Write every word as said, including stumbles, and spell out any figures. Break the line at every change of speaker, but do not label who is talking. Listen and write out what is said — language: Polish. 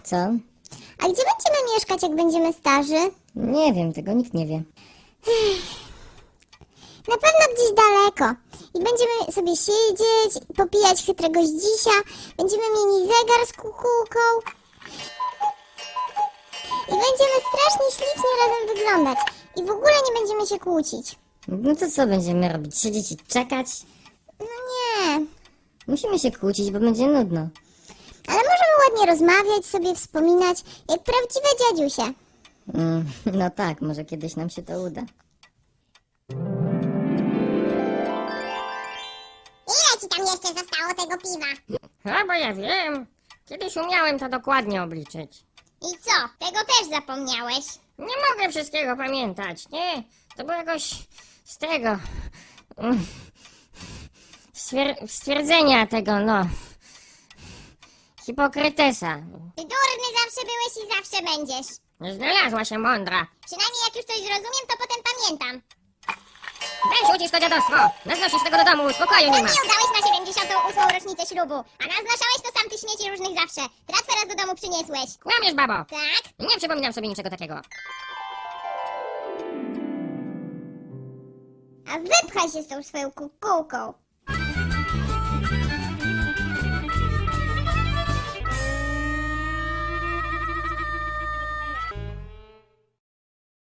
Co?
A gdzie będziemy mieszkać, jak będziemy starzy?
Nie wiem, tego nikt nie wie.
Na pewno gdzieś daleko. I będziemy sobie siedzieć, popijać chytrego zdzisia, będziemy mieli zegar z kukułką i będziemy strasznie ślicznie razem wyglądać. I w ogóle nie będziemy się kłócić.
No to co będziemy robić? Siedzieć i czekać?
No nie.
Musimy się kłócić, bo będzie nudno.
Ale możemy ładnie rozmawiać, sobie wspominać, jak prawdziwe dziadziusie.
Mm, no tak, może kiedyś nam się to uda.
Ile ci tam jeszcze zostało tego piwa?
A bo ja wiem. Kiedyś umiałem to dokładnie obliczyć.
I co? Tego też zapomniałeś?
Nie mogę wszystkiego pamiętać, nie? To było jakoś z tego... mm, Stwier- stwierdzenia tego, no... Hipokrytesa.
Ty durny zawsze byłeś i zawsze będziesz.
Znalazła się mądra.
Przynajmniej jak już coś zrozumiem, to potem pamiętam.
Weź ucisz to dziadostwo. Naznosisz tego do domu, spokoju nie
Sam
ma.
mi udałeś na siedemdziesiątą ósmą rocznicę ślubu, a naznaszałeś to sam ty śmieci różnych zawsze. Tratwę raz do domu przyniesłeś.
Kłamiesz, babo.
Tak?
Nie przypominam sobie niczego takiego.
A wypchaj się z tą swoją kukułką.